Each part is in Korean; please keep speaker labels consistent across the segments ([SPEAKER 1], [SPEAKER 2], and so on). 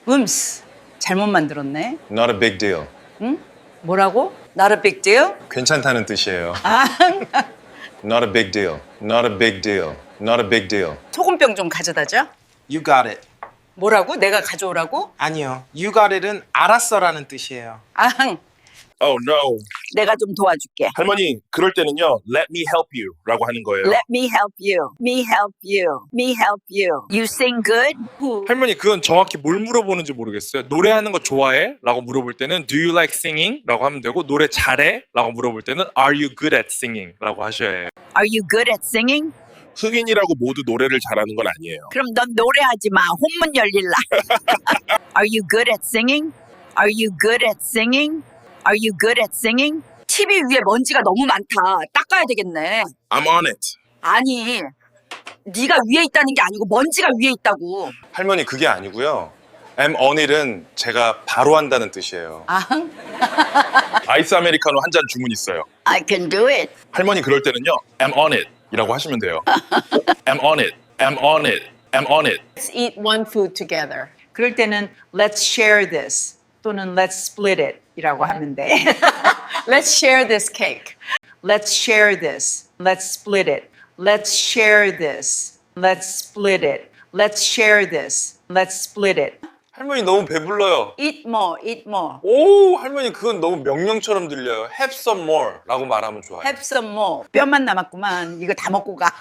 [SPEAKER 1] 잘못 만들었네.
[SPEAKER 2] Not a big deal.
[SPEAKER 1] 뭐라고? Not a big deal?
[SPEAKER 2] 괜찮다는 뜻이에요.
[SPEAKER 1] 아,
[SPEAKER 2] Not a big deal. Not a big deal. Not a big deal.
[SPEAKER 1] 소금병 좀 가져다 줘.
[SPEAKER 3] You got it.
[SPEAKER 1] 뭐라고? 내가 가져오라고?
[SPEAKER 3] 아니요. You got it은 알았어라는 뜻이에요.
[SPEAKER 1] 아흥,
[SPEAKER 4] Oh no.
[SPEAKER 1] 내가 좀 도와줄게.
[SPEAKER 4] 할머니, 그럴 때는요. Let me help you 라고 하는 거예요.
[SPEAKER 1] Let me help you. Me help you. Me help you. You sing good?
[SPEAKER 5] 할머니 그건 정확히 뭘 물어보는지 모르겠어요. 노래하는 거 좋아해? 라고 물어볼 때는 Do you like singing? 라고 하면 되고 노래 잘해? 라고 물어볼 때는 Are you good at singing? 라고 하셔야 해요.
[SPEAKER 1] Are you good at singing?
[SPEAKER 4] 흑인이라고 모두 노래를 잘하는 건 아니에요.
[SPEAKER 1] 그럼 넌 노래하지 마. 혼문 열릴라. Are you good at singing? Are you good at singing? Are you good at singing? TV 위에 먼지가 너무 많다. 닦아야 되겠네.
[SPEAKER 4] I'm on it.
[SPEAKER 1] 아니, 네가 위에 있다는 게 아니고 먼지가 위에 있다고.
[SPEAKER 2] 할머니 그게 아니고요. I'm on it은 제가 바로 한다는 뜻이에요.
[SPEAKER 1] 아흥,
[SPEAKER 4] 아이스 아메리카노 한 잔 주문 있어요.
[SPEAKER 1] I can do it.
[SPEAKER 4] 할머니 그럴 때는요. I'm on it 이라고 하시면 돼요. I'm on it. I'm on it. I'm on it.
[SPEAKER 6] Let's eat one food together.
[SPEAKER 1] 그럴 때는 let's share this 또는 let's split it 이라고 하면 돼.
[SPEAKER 6] Let's share this cake.
[SPEAKER 1] Let's share this. Let's split it. Let's share this. Let's split it. Let's share this. Let's split it.
[SPEAKER 2] 할머니 너무 배불러요.
[SPEAKER 1] Eat more, eat more.
[SPEAKER 2] 오, 할머니 그건 너무 명령처럼 들려요. Have some more 라고 말하면 좋아요.
[SPEAKER 1] Have some more. 뼈만 남았구만. 이거 다 먹고 가.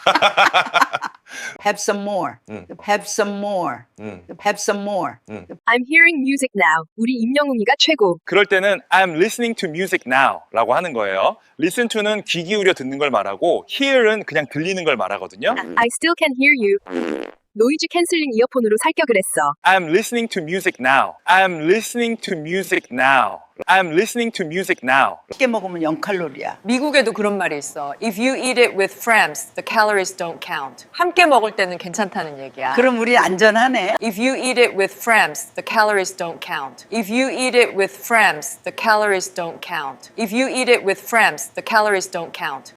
[SPEAKER 1] Have some more. Have some more. Have some more.
[SPEAKER 7] I'm hearing music now. 우리 임영웅이가 최고.
[SPEAKER 5] 그럴 때는 I'm listening to music now 라고 하는 거예요. Listen to는 귀 기울여 듣는 걸 말하고 hear은 그냥 들리는 걸 말하거든요.
[SPEAKER 7] I still can hear you. 노이즈 캔슬링 이어폰으로 살격을 했어.
[SPEAKER 5] I'm listening to music now. I'm listening to music now. I'm listening to music now.
[SPEAKER 1] 쉽게 먹으면 0칼로리야.
[SPEAKER 6] 미국에도 그런 말이 있어. If you eat it with friends, the calories don't count. 함께 먹을 때는 괜찮다는 얘기야.
[SPEAKER 1] 그럼 우리 안전하네.
[SPEAKER 6] If you eat it with friends, the calories don't count. If you eat it with friends, the calories don't count. If you eat it with friends, the calories don't count.